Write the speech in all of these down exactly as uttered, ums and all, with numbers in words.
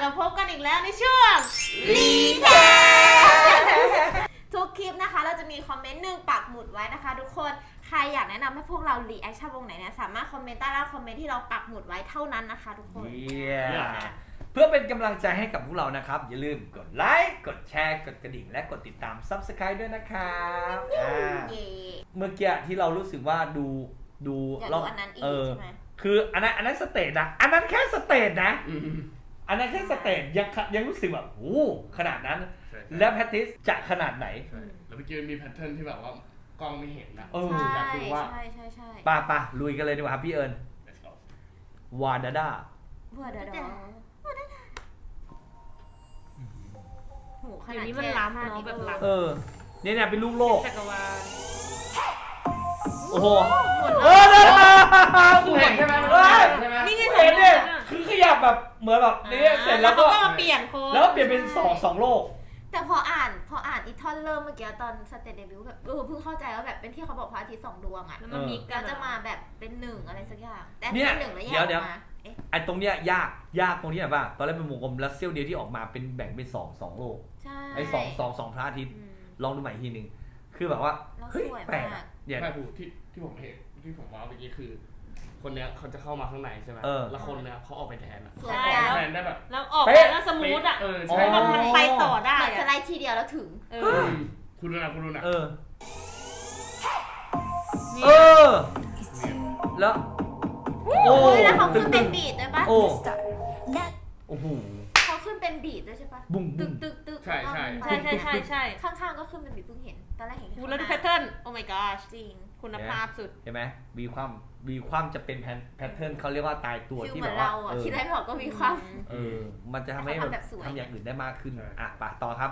มาพบกันอีกแล้วในช่วงรีแคปทุกคลิปนะคะเราจะมีคอมเมนต์หนึ่งปักหมุดไว้นะคะทุกคนใครอยากแนะนำให้พวกเรารีแอคชั่นวงไหนเนี่ยสามารถคอมเมนต์ใต้ล่างคอมเมนต์ที่เราปักหมุดไว้เท่านั้นนะคะทุกคน yeah. เพื่อเป็นกำลังใจให้กับพวกเรานะครับอย่าลืมกดไลค์กดแชร์กดกระดิ่งและกดติดตาม ซับสไครบ์ ด้วยนะครับเมื่อกี้ที่เรารู้สึกว่าดูดูเราอันนั้นอีกใช่ไหมคืออันนั้นอันนั้นสเตจนะอันนั้นแค่สเตจนะอันนั้นแค่สเตจยังยังรู้สึกแบบโอ้ขนาดนั้นแล้วแพทริสจะขนาดไหนแล้วเมื่อกี้มีแพทเทิร์นที่แบบว่ากล้องไม่เห็นนะอยากดูว่าใช่ใช่ใช่ป่ะป่ะลุยกันเลยดีกว่าครับพี่เอิญวาดาดาวาดาดาโหขนาดนี้มันล้ำเนาะแบบล้ำเออเนี่ยเนี่ยเป็นลูกโลกจักรวาลโอ้โหเออเดินมาเห็นใช่ไหมใช่ไหมนี่ไงเห็นเนี่ยคือขยับแบบเหมือนแบบนี้เสร็จแล้วก็มาเปลี่ยนโค้ดแล้วเปลี่ยนเป็นสองสองโลกแต่พออ่านพออ่านอีท่อนเริ่มเมื่อกี้ตอนสเตจเดบิวต์แบบเออเพิ่งเข้าใจว่าแบบเป็นที่เขาบอกพระอาทิตย์สองดวงอ่ะแล้วมันมีก็จะมาแบบเป็นหนึ่งอะไรสักอย่างแต่เป็นหนึ่งแล้วแยกมาไอ้ตรงเนี้ยยากยากตรงนี้แบบว่าตอนแรกเป็นวงกลมแล้วเซี่ยวเดียวที่ออกมาเป็นแบ่งเป็นสองสองโลกไอ้สองสองสองพระอาทิตย์ลองดูใหม่ทีนึงคือแบบว่าเฮ้ยแปลกอย่างแม่ผู้ที่ที่ผมเห็นที่ผมว่าเมื่อกี้คือคนเนี้ยเขาจะเข้ามาข้างในใช่ไหมแล้วคนเนี้ยเขาออกไปแทนอ่ะใช่แทนได้แบบแล้วออกไปแล้วสมูทอ่ะเออใช่มันไปต่อได้เหมือนสไลด์ทีเดียวแล้วถึงเออคุณดูนะคุณดูนะเออเออแล้วโอ้ยแล้วเขาขึ้นเป็นบีทด้วยปะโอ้โอ้โหเขาขึ้นเป็นบีทด้วยใช่ปะบุ้งตึกตึกตึกใช่ใช่ใช่ใช่ใช่ใช่ข้างๆก็ขึ้นเป็นบีทเพิ่งเห็นตอนแรกเห็นคุณแล้วดูแพทเทิร์นโอ้ my god จริงคุณภาพสุดเห็นไหมมีความมีความจะเป็นแพทเทิร์นเขาเรียกว่าตายตัวที่แบบว่าคิดได้บอกก็มีความเออมันจะทำให้ทำอย่างอื่นได้มากขึ้นอ่ะป่ะต่อครับ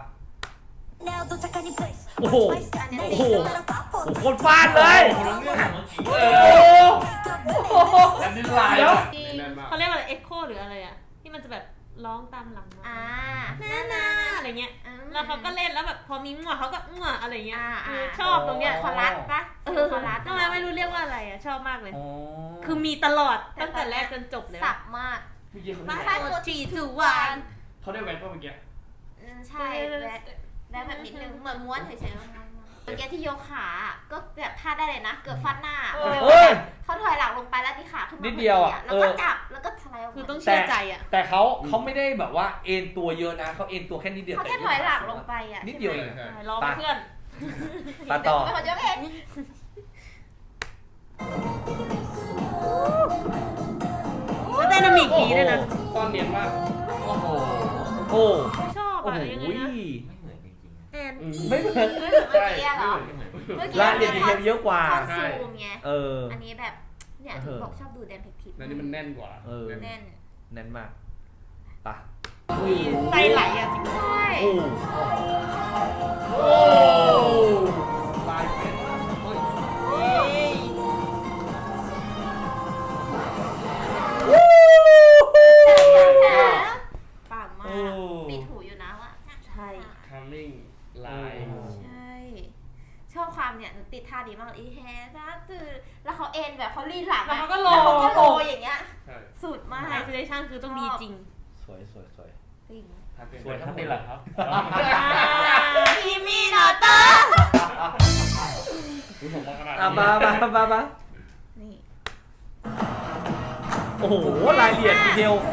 โอ้โหโอ้โหคนฟาดเลยโอ้โหอันนี้ลายเขาเรียกว่าอะไรเอ็กโคหรืออะไรอ่ะที่มันจะแบบร้องตามหลังมาอ่าน่าน่าอะไรเงี้ยแล้วเขาก็เล่นแล้วแบบพอมีงัวเขาก็งัวอะไรเงี้ยชอบตรงเนี้ยคอรัสปะเออคอรัสทำไมไม่รู้เรียกว่าอะไรอ่ะชอบมากเลยคือมีตลอดตั้งแต่แรกจนจบเลยสับมากเมื่อกี้เขามาได้โคจีจูวานเขาได้แว็กป่ะเมื่อกี้ใช่แว็กแว็กแบบนิดนึงเหมือนม้วนเฉยๆเมื่อกี้ที่ยกขาก็แบบพลาดได้เลยนะเกือบฟาดหน้าเขาถอยหลังลงไปแล้วที่ขาขึ้นมานิดเดียวอ่ะแล้วก็จับแล้วก็สไลด์ออกคือต้องเชื่อใจอ่ะแต่เขาเขาไม่ได้แบบว่าเอ็นตัวเยอะนะเขาเอ็นตัวแค่นิดเดียวเขาแค่ถอยหลังลงไปอ่ะนิดเดียวเองรอเพื่อนปาต่อเป็นคนยกเองก็ไดนามิกดีด้วยนะซ่อนเนียนมากโอ้โหโอ้ชอบอะยังไงนะแอนไม่เหมือนเมื่อกี้เหรอเมื่อกี้ร้านเรียนดีเทลเยอะกว่าซูมไงเอออันนี้แบบเนี่ยถึงบอกชอบดูแดนเพคทิปอันนี้มันแน่นกว่าเออแน่นแน่นมากปะไส้ไหลอ่ะจริงใช่โอ้โหลายเป็นปังมากติดหูอยู่นะว่าใช่ทัมมิ่งลายใช่ชอบความเนี่ยติดท่าดีมากอีแฮนะตื่นแล้วเขาเอ็นแบบเขาลีนหลังแล้วเขาก็โลเขาก็โลอย่างเงี้ยสุดมากไอซ์เลชั่นคือต้องดีจริงสวยสวยสวยจริงสวยทั้งหมดเหรอครับพี่มีโนโต้อ่ะมามามามานี่โอ้โหรายละเอียดดีเทล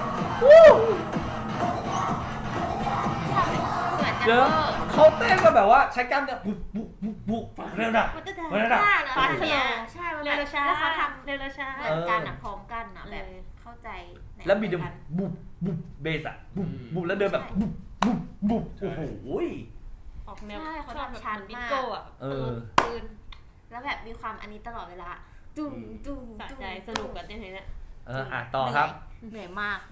เดี๋ยวเขาเต้นมาแบบว่าใช้กล้ามเนี่ยบุบบุบบุบบุบเร็วนะเร็วนะฟาสเนี่ยใช่เร็วช้าแล้วเขาทำเร็วช้าเหมือนกันอ่ะพร้อมกันอ่ะแบบเข้าใจแล้วมีเดินบุบบุบเบสอ่ะบุบบุบแล้วเดินแบบบุบบุบบุบโอ้โหออกแนวเขาทำชันมากเออปืนแล้วแบบมีความอันนี้ตลอดเวลาจุ้งจุ้งสะใจสนุกกันอย่างนี้เนี่ยเอออ่ะต่อครับเหนื่อยมาก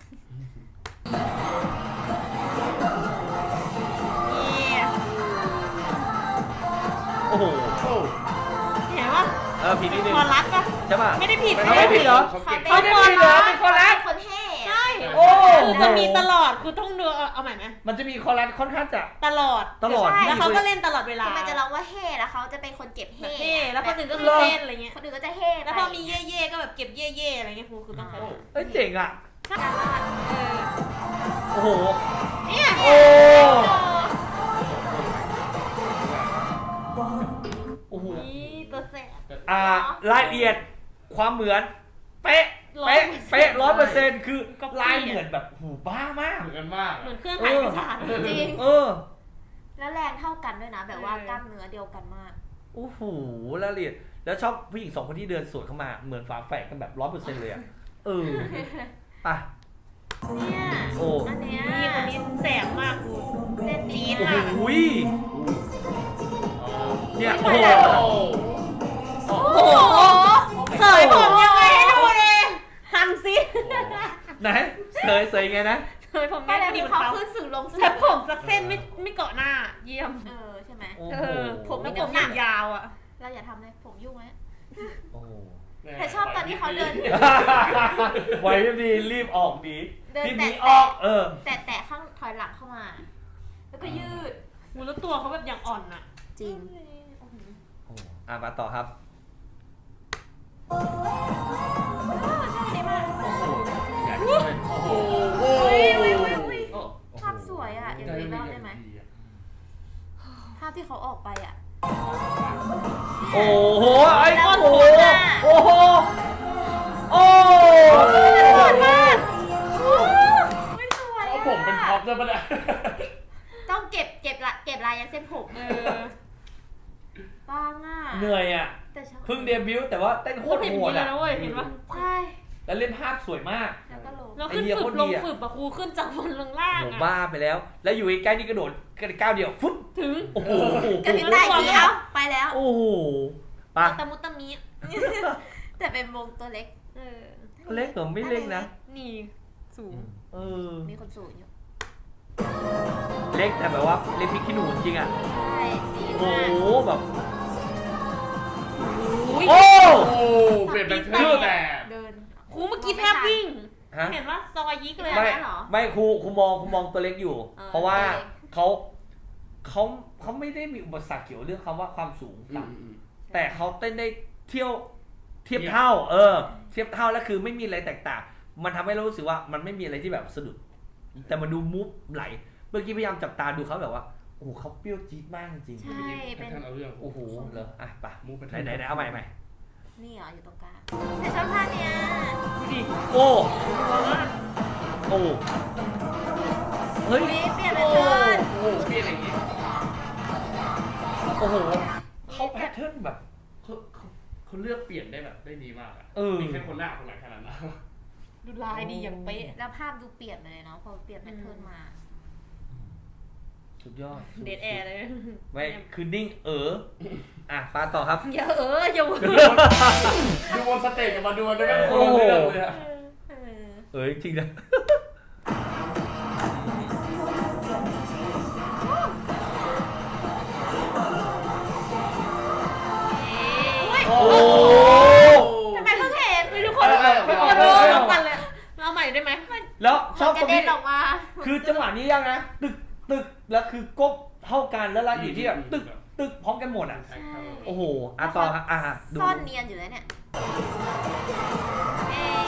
โอ้โหเห็นป่ะเออผิดนิดนึงคอรัสป่ะใช่ป่ะไม่ได้ผิดไม่ได้ผิดเหรอเขาไม่ได้ผิดเหรอเป็นคอรัสคนเท่ใช่โอ้คือจะมีตลอดคือต้องดูเอาใหม่ไหมมันจะมีคอรัสค่อนข้างจะตลอดตลอดแล้วเขาก็เล่นตลอดเวลาคือมันจะร้องว่าเฮ่แล้วเขาจะเป็นคนเก็บเฮ่แล้วคนอื่นก็คือเล่นอะไรเงี้ยคนอื่นก็จะเฮ่แล้วพอมีเย่เย่ก็แบบเก็บเย่เย่อะไรเงี้ยครูคือต้องใช้เอ้ยเจ๋งอ่ะโอ้โหเนี่ยโอ้โอ้โหนี่ตัวแสบอ่ารายละเอียดความเหมือนเป๊ะเป๊ะเป๊ะร้อยเปอร์เซ็นต์คือลายเหมือนแบบหูบ้ามากเหมือนกันมากเหมือนเครื่องถ่ายเอกสารจริงเออแล้วแรงเท่ากันด้วยนะ แบบว่ากล้ามเนื้อเดียวกันมากโอ้โหรายละเอียดแล้วชอบผู้หญิงสองคนที่เดินสวนเข้ามาเหมือนฝาแฝดกันแบบร้อยเปอร์เซ็นต์เลยอ่ะเออไปเนี่ยโอ้อันเนี้ยนี่คนนี้แสบมากกูเล่นดีโอ้มากโหเนี่ยโอ้โหโอ้โอ้โหเสยผมยังไงให้ดูเลยทำสิไหนเสยเสยไงนะเสยผมไม่ไม่ได้ได้ดูดีเขาเขาขึ้นสื่อลงสื่แต่ผมสักเส้นไม่ไม่เกาะหน้า เยี่ยมเออใช่ไหมโอ้เอโหอผมแล้วผมอย่างยาวอ่ะเราอย่าทำเลยผมยุ่งไหมโอ้โหแต่ชอบตอนที่เขาเดินไว้ไม่ดีรีบออกดีเดินรีบหแตะนีออกเออแต่แต่ข้างถอยหลังเข้ามา แล้วก็ยืดมูแล้วตัวเขาแบบอย่างอ่อนอ่ะจริงโอ้อ่ะมาต่อครับได้มากโหอยากเลยโอ้โหอุ้ยอุ้ยอุ้ยอุ้ยโอ้ภาพสวยอ่ะอย่างนี้รอบได้ไหมภาพที่เขาออกไปอ่ะโอ้โหไอ้แล้วโอ้โหคนน่ะโอ้โหโอ้สวยมากไม่สวยเอาผมเป็นพ็อปด้วยปะเนี่ยต้องเก็บเก็บละเก็บลายยันเส้นผมเออบ้างอ่ะเหนื่อยอ่ะแต่ชอบเพิ่งเดบิวต์แต่ว่าเต้นโคพูดตรเห็นโหดีดแล้อ่ะวเว้ยเห็นปะใช่แล้วเล่นภาพสวยมากแล้วก็ลงเราขึ้นไอเดียฝึโคกตรลดีงอะฝึกปะครูขึ้นจากบนลงล่างโหอ่ะบ้าไปแล้ว แล้วอยู่ใกล้ๆนี่กระโดดกระก้าวเดียวฟุ๊บถึงโอ้โหกระพริบตาอีกทีเอ้าไปแล้วโอ้โหปะตะมุตะมิแต่เป็นวงตัวเล็กเออเล็กเหรอไม่เล็กนะนี่สูงเออมีคนสูงอยู่เล็กแต่แบบว่าเล็กพริกขี้หนูจริงอ่ะใช่ดีโอ้มากโหแบบอุ้ยโอ้โอ้เปลี่ยนเป็นเพื่อนแต่เดินครูเมื่อกี้แทบวิ่งฮะเห็นว่าซอยยิกเลยไม่ไม่อะเหรอไม่ครูครูมองครูมองตัวเล็กอยู่เออเพราะว่าตัวเล็กเขาเขาเขาไม่ได้มีอุปสรรคเกี่ยวเรื่องคำว่าความสูงต่ำแต่เขาเต้นได้เที่ยวเทียบเท่า เออ เทียบเท่าแล้วคือไม่มีอะไรแตกต่าง มันทำให้เรารู้สึกว่ามันไม่มีอะไรที่แบบสะดุด แต่มันดูมูฟไหล เมื่อกี้พยายามจับตาดูเขาแบบว่าโอ้โหเขาเปรี้ยวจี๊ดมากจริงใช่เป็เป็น นเอาเรื่องโอ้โหเหรออ่ะไปมูฟไปไหนไหนไหนเอาใหม่ใหม่นี่เหรออยู่ตรงกลางแต่ชอบท่าเนี้ยดูดิโอ้โอ้เฮ้ยอุ๊ยเปลี่ยนเป็โอ้นเทิร์นโหเปลี่ยนอย่างงี้โอ้โหเขาแพทเทิร์นแบบเขาเขาเขาเลือกเปลี่ยนได้แบบได้ดีมากอ่ะเออมีแค่คนหน้าคนหลังแค่นั้นนะดูลายดีอย่างเป๊ะแล้วภาพดูเปลี่ยนไปเลยเนาะพอเปลี่ยนเป็นเทิร์นมาสุดยอดเดทแอร์เลยไม่คือนิ่งเอออ่ะปาต่อครับอย่าเอออย่าเออดูบนสเตจกับมาดูได้แบบคนละเรื่องเลยอะเออเอ้ยจริงนะอุ้ยโอ้ทำไมเพิ่งเห็นไม่ทุกคนทุกคนรู้พร้อมกันเลยเอาใหม่ได้ไหมแล้วชอบกตรระงเด็นี้นออกมาคือจังหวะนี้ยังนะตึกตึกแล้วคือก้มเท่ากันแล้วรายละเอียดที่แบบตึกตึกพร้อมกันหมดอ่ะใช่โอ้โหอ่ะต่อครับอ่ะดูซ่อนเนียนอยู่แล้วเนี่ยเอ๊ะ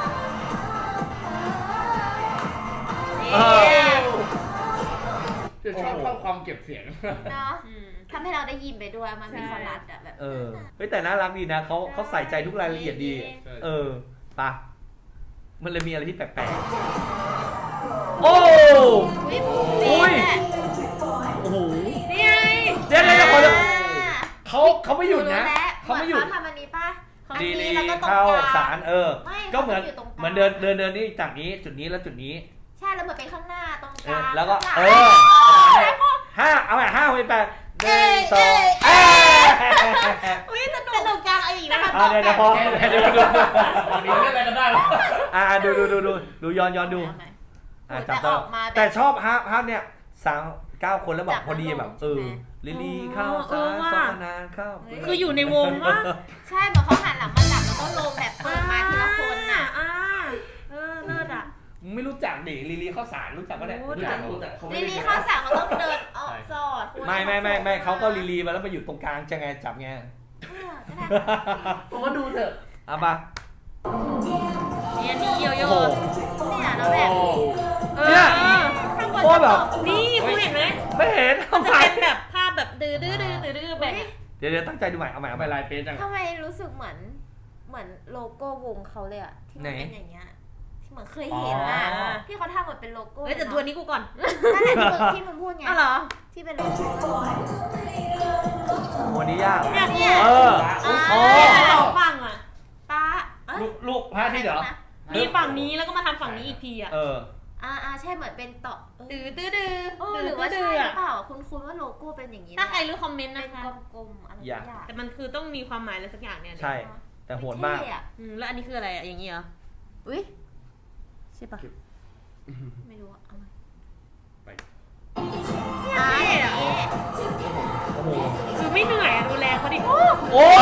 เอเอ๊ะอจะชอบชอบความเก็บเสียงเนาะอืมทำให้เราได้ยินไปด้วยมันมีคอรัสอะแบบเออเฮ้ยแต่น่ารักดีนะเขาเขาใส่ใจทุกรายละเอียดดีใช่เออปะมันเลยมีอะไรที่แปลกๆโอ้อุ้ยผมดีแหละโอ้โหนี่ไงเดี๋ยวเดี๋ยวเดี๋ยวขอเดี๋ยวอ่าเขาเขาไม่หยุดนะรู้แล้วเขาไม่หยุดเขาทำอันนี้ป่ะอันดีนี้ลีแล้วก็ตรงเข้ากลางสารเออไม่ก็เหมือนเขาจะอยู่ตรงกลางเหมือนเดินเดินเดินนี่จากนี้จุดนี้แล้วจุดนี้ใช่แล้วเหมือนเป็นข้างหน้าตรงเอกลาอง แล้วก็ข้างเอหลังอห้าเอาใหม่ห้าไปแปดหเอ้นึ่งยสองเอ้เอ้ยยอุ้ยสนุกสนุกกลางเอาอีกนะคะอ่ะเดี๋ยวเดี๋ยวพอเดี๋ยวดูวันนี้เล่นอะไรกันได้วะอ่ะดูดูดูดูดูย้อนย้อนดูเอาใหม่อ่ะแต่จับอได้อกมาแบบแต่ชอบฮาร์ปฮาร์ปเนี่ยสามเก้าคนแล้วแบจับบ พอดีแล้วลงแบบเออใช่ไหมลิลลี่เข้าเอสาอรว่ะสอนานเข้าคืออยู่ในวงวะใช่เหมือนเขาหันหลังมาจับแล้วก็ลงแบบเปิดมาทีละคนน่ะอ่าเออเลิศอ่ะมึงไม่รู้จักดิลิลลี่เข้าสารรู้จักปะเนี่ยรู้รู้จักรู้จักเขาไม่ลิได้ลี่เข้าสั่งเราต้องเดินออกสอดไม่ไม่ไม่ไม่เขาก็ลิลลี่มาแล้วมาอยู่ตรงกลางจะไงจับไงเออก็ได้ผมว่าดูเถอะเอาปะนเนี่ยนี่โยโย่โอ้โหเนี่ยแล้วแบบเออเนี่ยข้างบนโคตรแบบนี่คุณเห็นไหมไม่เห็นมันทำจะไมเป็นแบบภาพแบบดื้อดื้อดื้อดื้อดื้อแบบเดี๋ยวเดี๋ยวตั้งใจดูใหม่เอาใหม่เอาใหไปม่ลายเป๊ะจังทำไมรู้สึกเหมือนเหมือนโลโก้วงเขาเลยอะที่มันเป็นอย่างเงี้ยที่เหมือนเคยเห็นอะที่เขาทำเหมือนเป็นโลโก้เฮ้ยแต่ตัวนี้กูก่อนนั่นแหละที่มึงที่มึงพูดไงอ้าวเหรอที่เป็นโลโก้โอ้นี่ยากอยากเนี่ยเอออ่าโอ้สองฝั่งอ่ะป้าเอ้ยลูกลูกพระอาที่เหรอมีฝั่งนี้แล้วก็มาทำฝั่งนี้อีกทีอ่ะเอออ่าอ่าใช่เหมือนเป็นต่อเออดื้อดื้อดื้อเออหรือว่าใช่หรือเปล่าคุณคุณว่าโลโก้เป็นอย่างนี้ถ้าใครแหละรู้คอมเมนต์เป็นะนคะกลมๆอะไรอย่าสักอย่างแต่มันคือต้องมีความหมายอะไรสักอย่างเนี่ยใช่ แต่โหดมากเท่อะอืมแล้วอันนี้คืออะไรอ่ะอย่างนี้เหรออุ้ยใช่ปะไม่รู้อะเอามาไปอ่าเท่อะโอ้โหคือไม่เหนื่อยอะดูแลเขาดิโอ้โอ้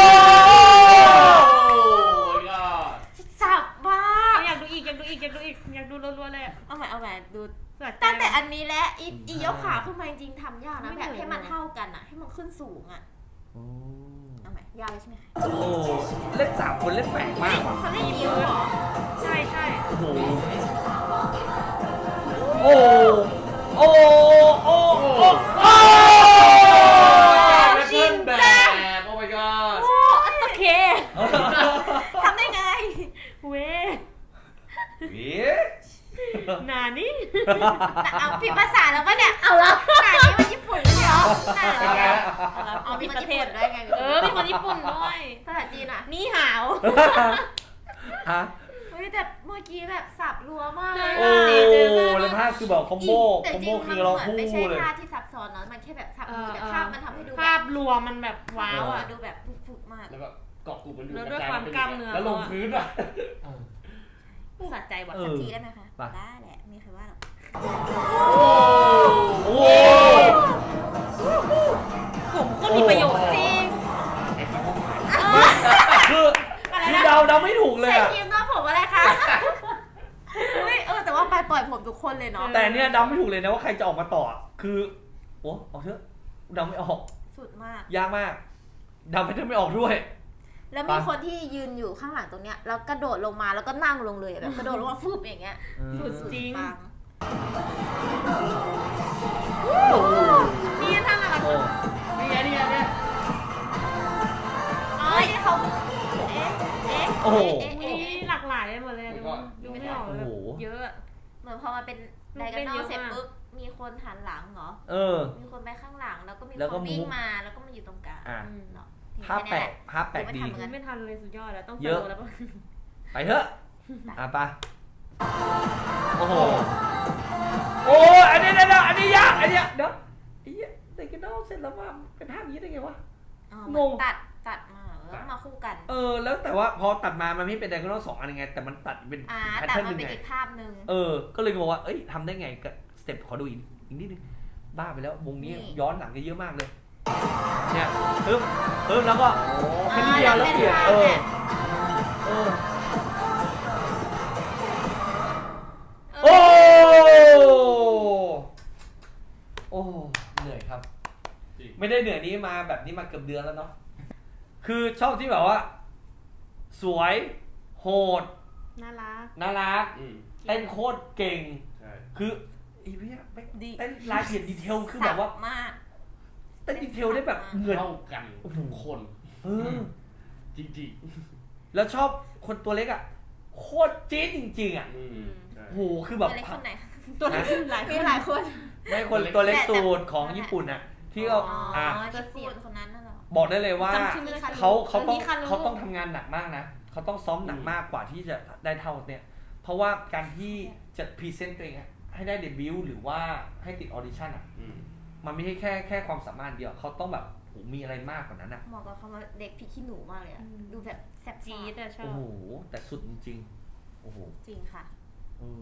ยก็สับมากอยากดูอีกอยากดูอีกอยากดูอีกอยากดูรัวๆเลยอะเอาใหม่เอาใหม่ดูสะใจตั้งแต่อันนี้และอีอียกขาขึ้นมาจริงๆทำยากนะไม่แบบเหนื่อยให้มันเท่ากันอะให้มันขึ้นสูงอะเอาใหม่ยากเลยใช่ไหมคะโอ้เล่นสามคนเล่นแปลกมากว่ะเขาเล่นนิ้วเหรอใช่ใช่โอ้โหโอ้โอ้โอ้โอ้โอ้ชินแบบโอ้ my god โอเคทำได้ไงเว้ยเอ๊ะนานี่เอาผิดภาษาแล้วปะเนี่ยเอาละหนานี้มันญี่ปุ่นเลยเหรอหนาเป็นไงนี้เอามีผิดคนประเทญี่ศปุ่นด้วยไงเออมีคนญี่ปุ่นด้วยภาษาจีนอะนี่หาวฮะเฮ้ยแต่เมื่อกี้แบบสับรัวมากเลยโอ้อะแล้วภาพคือแบบคอมโบแต่คอมจโบริงคืมันอเราเหมือนคู่ไม่ใช่เลยภาพที่ซับซ้อนเนาะมันแค่แบบสับมือแต่ภาพมันทำให้ดูแบภาบพรวมมันแบบว้าวอ่ะดูแบบฟุกๆมากแล้วแบบเกาะกลุ่มมันอยู่แล้วกด้วยระจายความเป็นกล้ามเนื้อแล้วลงพื้นอ่ะสะใจว่ะเอสักอทีได้ไหมคะไปได้แหละมีใครว่าหรอกโอ้ผมก็มีประโยชน์จริงคือคือเดาเดาไม่ถูกเลยใส่อะครีมหน้าผมอะไรคะอุ้ยเออแต่ว่าไปปล่อยผมทุกคนเลยเนาะแต่เนี่ยเดาไม่ถูกเลยนะว่าใครจะออกมาต่ออะคือโอ้เอาเถอะเดาไม่ออกสุดมากยากมากเดาไม่ได้ไม่ออกด้วยแล้วมีคนที่ยืนอยู่ข้างหลังตรงเนี้ยแล้วกระโดดลงมาแล้วก็นั่งลงเลยอะแบบกระโดดลงมาฟึบอย่างเงี้ยอืมสุดจริงปังนี่ท่านอะไรโอ้นี่ไงนี่ไงเนี่ยอ๋อที่เขาเอ๊ะเอ๊ะโอ้โหเอ๊ะมีเอ๊ะเอ๊ะหลากหลายไปหมดเลยดูดูไม่ออกเลยโอ้โหเยอะอะเหมือนพอมาเป็นไดกันนอลเสร็จปุ๊บมีคนหันหลังเหรอเออมีคนไปข้างหลังแล้วก็มีแล้วคก็นวิ่งมุกมาแล้วก็มาอยู่ตรงกลางอ่ะเนาะภาพแปลกภาพแปลกดีไม่ทันเหมือนกันไม่ทันเลยสุดยอดแล้วต้องเยอะโซแล้วปะไปเถอะอ่ะไปโอ้โหโอ้ยอันนี้เดี๋ยวอันนี้ยากอันเนี้ยเดี๋ยวไอ้เหี้ยเด็กกันนอกเสร็จแล้วมาเป็นภาพอย่างนี้ได้ไงวะอ๋องเหมือนงตัดตัดมาแล้วก็มาคู่กันเออแล้วแต่ว่าพอตัดมามันไม่เป็นไดกอนอลสองอันยังไงแต่มันตัดเป็นอ่าแพทแต่เทิร์นมัหนนึ่งเป็นไงอีกภาพหนึ่งเออก็เลยงงว่าเอ้ยทำได้ไงกับสเต็ปขอดูอีกอีกนิดนึงบ้าไปแล้ววงนี้นี่ย้อนหลังกันเยอะมากเลยเนี่ยปึ๊บปึ๊บแล้วก็แค่นิดเดียวแล้วเปลี่ยนเออเออโอ้โอ้เหนื่อยครับจริงไม่ได้เหนื่อยนี้มาแบบนี้มาเกือบเดือนแล้วเนาะคือชอบที่แบบว่า สวยโหดน่ารักน่ารักอืมเต้นโคตรเก่งใช่คืออีพี่ไม่ดีเต้นรายละเอียดดีเทลคือแบบว่าสัมากเต้นดีเทลได้แบบเหมือนเท่ากันทุกคนเออจริงแล้วชอบคนตัวเล็กอ่ะโคตรจี๊ดจริงๆอ่ะๆอืมใช่โหคือแบบมีอะไรคนไหนตัวนี้หลายคมีนหลายคนไม่คนตัวเล็กสูตรของญี่ปุ่นอ่ะ ที่เราอ๋ออ่ะญี่ปุ่นคนนั้นน่ะเหรอบอกได้เลยว่าจำชื่อไม่ได้เขาเขาต้องมีคันรู้เขาต้องทำงานหนักมากนะเขาต้องซ้อมหนักมากกว่าที่จะได้เท่าเนี่ย เพราะว่าการที่จะพรีเซนต์ตัวเองอะให้ได้เดบิวต์หรือว่าให้ติดออดิชั่นอ่ะอืมมันไม่ใช่แค่แค่ความสามารถเดียวเขาต้องแบบโหมีอะไรมากกว่านั้นอ่ะเหมาะกับคำว่าเด็กพี่ขี้หนูมากเลยอะดูแบบแซ่บจี๊ดอะชอโอ้บโหแต่สุดจริงๆโอ้โหจริงค่ะเออ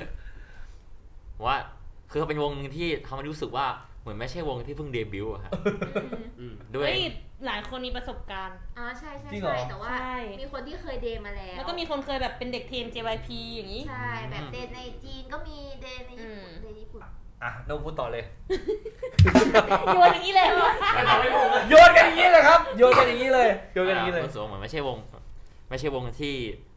ว่าคือเขาเป็นวงหนึงที่ทำให้รู้สึกว่าเหมือนไม่ใช่วงที่เพิ่งเดบิวต์อะครับอืมด้วยเฮ้ยหลายคนมีประสบการณ์อ๋อใช่ใช่จริงเหรอใช่แต่ว่าใช่มีคนที่เคยเดย์มาแล้วแล้วก็มีคนเคยแบบเป็นเด็กทีม เจ วาย พี อย่างนี้ใช่แบบเดย์ในจีนก็มีเดย์ในญี่ปุ่นอืมเดย์ญี่ปุ่นอ่ะโน้ตพูดต่อเลยโยนอย่างนี้เลยเหรอไม่ทำไม่ถูกเลยโยนกันอย่างนี้เลยครับโยนกันอย่างนี้เลยโยนกันอย่างนี้เลยรู้สึกว่าเหมือนไม่ใช่วง ไม่ใช่วงที่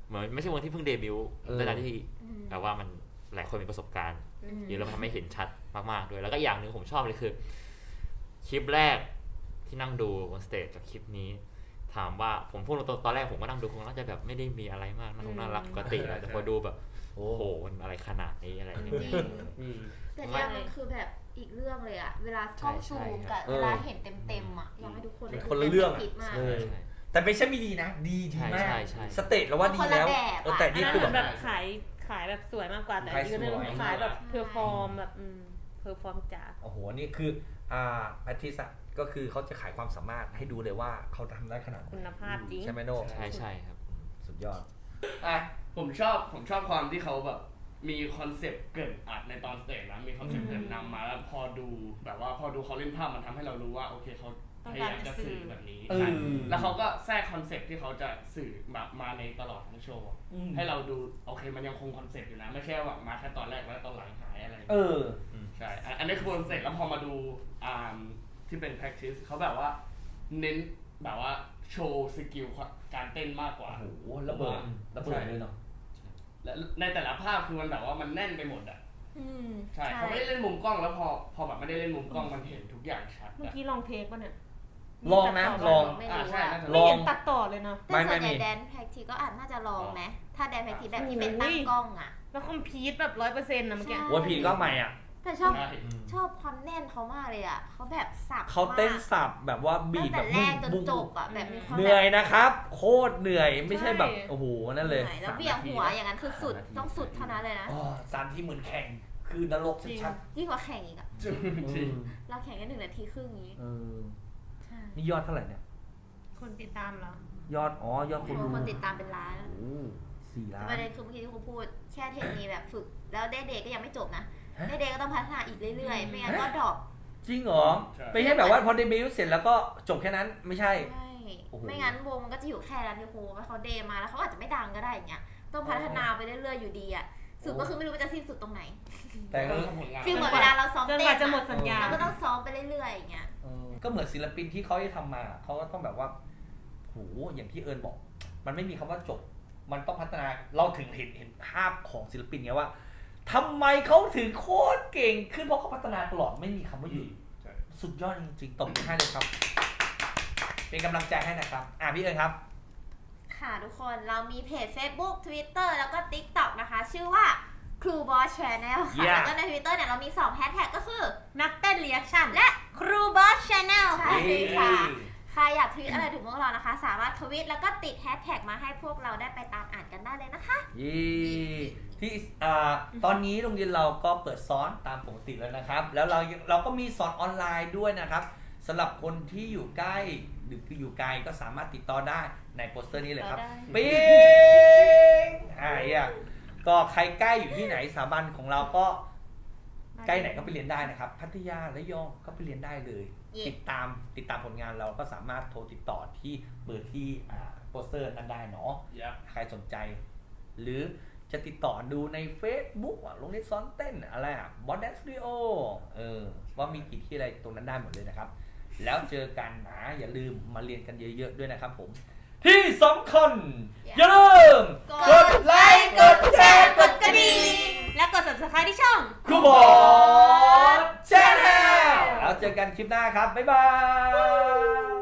เหมือนไม่ใช่วงที่เพิ่งเดบิวต์เออในการที่แบบว่ามันหลายคนมีประสบการณ์เยอะแล้วมันทำให้เห็นชัดมากๆด้วยแล้วก็อย่างหนึ่งผมชอบเลยคือคลิปแรกที่นั่งดูบนสเตจกับคลิปนี้ถามว่าผมพูดตรงๆตอนแรกผมก็นั่งดูคงน่าจะแบบไม่ได้มีอะไรมากน่าน่ารักปกติแหละแต่พอดูแบบโอ้โหมันอะไรขนาดนี้อะไรอย่างเงี้ยอืมแต่เนี่ยมันคือแบบอีกเรื่องเลยอะเวลากล้องซูมกับเออเวลาเห็นเต็มๆอะอยากให้ทุกคนได้คนละเรื่องอะคิดมากเออแต่ไม่ใช่ไม่ดีนะ ดีดีมากใช่ใช่สเตจเราว่าดีแล้วคนละแบบอะเออแต่อันนี่นั้นคือเหมือนแบแบบ บขายขายแบบสวยมากกว่าแต่ขายอีกอันหนึงสวยขายแบบเพอร์ฟอร์มแบบอืมเพอร์ฟอร์มจ๋าโอ้โหนี่คืออ่าแพทริสอะก็คือเขาจะขายความสามารถให้ดูเลยว่าเขาทำได้ขนาดไหนคุณภาพจริงใช่ไหมโน่ใช่ใช่ครับสุดยอดอ่ะผมชอบผมชอบความที่เขาแบบมีคอนเซปต์เกรินอัดในตอนสเตจนะมีคอนเซปต์เกรินนำมาแล้วพอดูแบบว่าพอดูเขาเล่นภาพมันทำให้เรารู้ว่าโอเคเขาพยายามจะสื่อแบบนี้เออใช่แล้วเขาก็แทรกคอนเซปต์ที่เขาจะสื่อแบบมาในตลอดทั้งโชว์อืมให้เราดูโอเคมันยังคงคอนเซปต์อยู่นะไม่ใช่ว่ามาแค่ตอนแรกแล้วตอนหลังหายอะไรเออใช่อันอันนี้คือคอนเซปต์แล้วพอมาดูอ่าที่เป็น practice เขาแบบว่าเน้นแบบว่าโชว์สกิลการเต้นมากกว่าโอ้โหระเบิดระเบิดเลยเนาะและในแต่ละภาพคือมันแบบว่ามันแน่นไปหมดอ่ะอืมใช่เขาไม่ได้เล่นมุมกล้องแล้วพอพอแบบไม่ได้เล่นมุมกล้องมันเห็นทุกอย่างชัดเมื่ออะกี้ลองเทคป่ะเนี่ยลองนะลองไม่อ่ารู้ใช่อะน่าจะลไม่องเห็นตัดต่อเลยเนาะแต่ส่วนใหญ่ไม่ไม่มีแดนแพคทีก็อาจน่าจะลองไหมถ้าแดนแพคทีแบบที่โอ้ยเป็นตั้งกล้องอะแล้วคอมพีทแบบร้อยเปอร์เซ็นต์นะเมื่อกี้ใช่โอ้ยผีก็ใหม่อ่ะแต่ชอบใช่ชอบความแน่นเขามากเลยอะเขาแบบสับเขาเต้นมากสับแบบว่าบีตั้บงแบแต่บแรกจนบุ้งจบอะแบบมีความเหนื่อยแบบนะครับ โคตรเหนื่อยไม่ใช่แบบโอ้โหนั่นเลยหนื่อแล้วเบี่ยงหัวอย่างนั้นคือสุดต้องสุดเท่านั้นเลยนะอ๋อสามที่เหมือนแข่งคือนรกชัดยิ่งกว่าแข่งอีกอะจริงๆจริงเราแข่งกันหนึ่งนาทีครึ่งนี้เออใช่นี่ยอดเท่าไหร่เนี่ยคนติดตามเหรอยอดอ๋อยอดคนดูคนติดตามเป็นล้านโอ้สี่ล้าแต่นประเด็นคือเมื่อกี้ที่ครูพูดแค่เทคนิคแบบฝึก แล้วเดย์เดย์ก็ยังไม่จบนะฮะเดย์เดย์ก็ต้องพัฒนาอีกเรื่อยๆ ไม่งั้นก็ดรอปจริงเหรอไม่ใช่แบบว่าพอเดบิวต์เสร็จแล้วก็จบแค่นั้นไม่ใช่ใช่โอ้โหไม่งั้นวงมันก็จะอยู่แค่นั้นดิครูว่าเขาเดย์มาแล้วเขาอาจจะไม่ดังก็ได้อย่างเงี้ยต้องพัฒนาไปเรื่อยๆอยู่ดีอ่ะสุดก็คือไม่รู้ว่าจะสิ้นสุดตรงไหนแต่ก็ทำผลงานฟีลเหมือนเวลาเราซ้อมจนเต้กนว่าจะหมดสัญญาเราก็ต้องซ้อมไปเรื่อยๆอย่างเงี้ยเออก็เหมือนศิลปินที่เขาได้ทำมาเขาก็ต้องแบบว่าโหอย่างที่เอิญบอก มันไม่มีคำว่าจบ มันต้องพัฒนาเราถึงเห็นเห็นภาพของศิลปินไงว่าทำไมเขาถึงโคตรเก่งขึ้นเพราะเขาพัฒนาตลอดไม่มีคำว่าหยุดใช่สุดยอดจริงๆตบมือให้เลยครับ เป็นกำลังใจให้นะครับอ่ะพี่เอิญครับค่ะทุกคนเรามีเพจ Facebook Twitter แล้วก็ TikTok นะคะ ชื่อว่า Crew Boss Channel ค่ะ Yeah แล้วก็ใน Twitter เนี่ยเรามีสองแฮชแท็กก็คือนักเต้นเรีแอคชั่นและ Crew Boss Channel ใช่เย้ค่ะ ใครอยากทวีตอะไรถึงพวกเรานะคะ สามารถทวีตแล้วก็ติดแฮชแท็กมาให้พวกเราได้ไปตามอ่านกันได้เลยนะคะยี่ที่อ่าตอนนี้โรงเรียนเราก็เปิดสอนตามปกติแล้วนะครับ แล้วเราเราก็มีสอนออนไลน์ด้วยนะครับสำหรับคนที่อยู่ใกล้หรืออยู่ไกลก็สามารถติดต่อได้ในโปสเตอร์นี้เลยครับได้ปิ๊งอ่าเนี่ยก็ใครใกล้อยู่ที่ไหนสถาบันของเราก็ใกล้ไหนก็ไปเรียนได้นะครับ พัทยาและยองก็ไปเรียนได้เลยเย่ติดตามติดตามผลงานเราก็สามารถโทรติดต่อที่เบอร์ที่อ่าโปสเตอร์นั้นได้เนาะยับใครสนใจ หรือจะติดต่อดูใน Facebook อ่ะโรงเรียนสอนเต้นอะไรอ่ะบอสแดนสตูดิโอเออว่ามีกี่ที่อะไรตรงนั้นได้หมดเลยนะครับ แล้วเจอกันนะอย่าลืมมาเรียนกันเยอะๆด้วยนะครับผม ที่สำคัญอย่าลืมกดไลค์กดแชร์กดกระดิ่งและกด subscribe ที่ช่องครูบอสแชนแนลแล้วเจอกันคลิปหน้าครับ บ๊ายบาย